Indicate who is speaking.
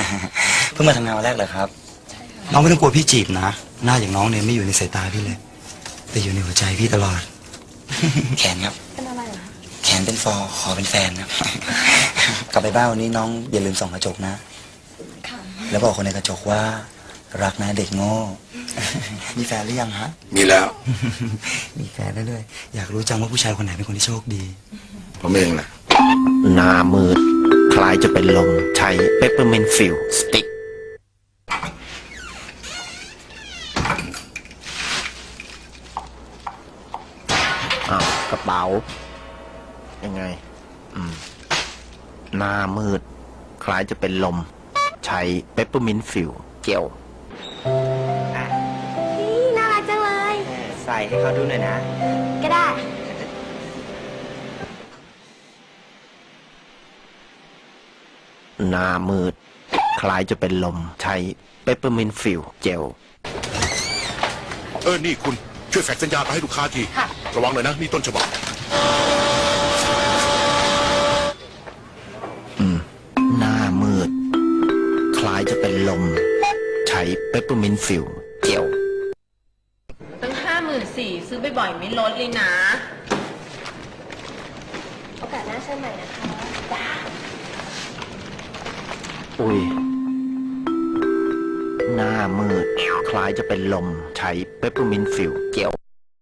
Speaker 1: เพิ่งมาทำงานวันแรกเลยครับ
Speaker 2: น้องไม่ต้องกลัวพี่จีบนะ หน้าอย่างน้องเนี่ยไม่อยู่ในสายตาพี่เลย แต่อยู่ในหัวใจพี่ตลอด
Speaker 1: แขนครับ
Speaker 3: เป็นอะไรเหรอ
Speaker 1: แขนเป็นฟอขอเป็นแฟนครับ กลับไปบ้านวันนี้น้องอย่าลืมส่องกระจกนะ
Speaker 3: ค่ะ
Speaker 1: แล้วบอกคนในกระจกว่า รักนะเด็กโง่ มีแฟนหรือยังฮะ
Speaker 4: มีแล้ว
Speaker 2: มีแฟนได้เลย อยากรู้จังว่าผู้ชายคนไหนเป็นคนที่โชคดี
Speaker 4: ผมเองแหละ
Speaker 5: หน้ามืด คล้ายจะเป็นลม ใช้เปปเปอร์เมนต์ฟิลสติ๊กอ้าวกระเป๋า ยังไง หน้ามืด คล้ายจะเป็นลม ใช้เปปเปอร์เมนต์ฟิลเจล
Speaker 3: นี่น่ารักจังเลย
Speaker 1: ใส่ให้เขาดูหน่อยนะ
Speaker 3: ก็ได้
Speaker 5: หน้ามืด คล้ายจะเป็นลม ใช้เปปเปอร์เมนต์ฟิลเจล
Speaker 4: นี่คุณช่วยแฟกซ์สัญญาณไปให้ลูกค้าที
Speaker 3: ค่ะ
Speaker 4: ระวังหน่อยนะ นี่ต้นฉบับ
Speaker 5: หน้ามืด คล้ายจะเป็นลม ใช้เปปเปอร์เมนต์ฟิลเจล
Speaker 6: ตั้ง54,000ซื้อบ่อยๆไม่ลดเลยนะ
Speaker 3: โอกาสหน้าเชิญใหม่นะคะ
Speaker 5: อุ้ย หน้ามืด คล้ายจะเป็นลม ใช้เปปเปอร์เมนต์ฟิลเจล